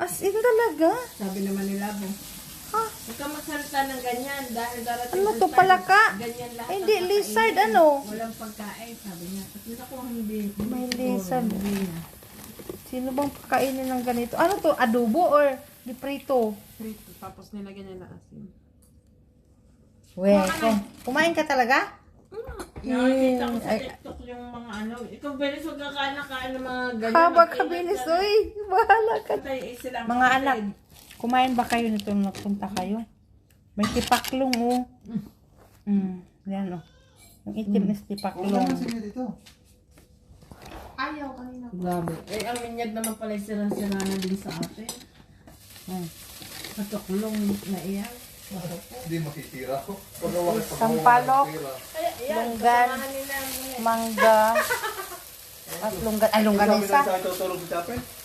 As in talaga? Sabi naman nila, Ha? huwag ka magsalita ng ganyan dahil darating Ano ang to, time, palaka? ganyan lahat. Ay, hindi, ang lizard, kakainin. ano? Walang pagkain, sabi niya. At yun ako hindi. May siguro, lizard. hindi na. Sino bang kakainin ng ganito? Ano to? Adobo or diprito? Prito, tapos nilagyan niya ng asin. Kumain ka talaga? Nakakita ko sa Ay. TikTok yung mga ano. Ikaw, Belis, huwag ka kain ng mga ganyan. Haba ka, bilis. Uy, bahala ka. Mga anak, kumain ba kayo nito nung nagpunta kayo? May tipaklong, oh. Yan, oh. Yung itim is tipaklong. Ayaw kanina. Grabe. Eh, ang minyag naman pala sira-sira na din sa atin. Katuklong na iyan. Hindi makitira ko. Sampalok, Ayan, lunggan, mangga, at lunggan. Ay, lungganisa. Sabi na sa tutulog sa Japan.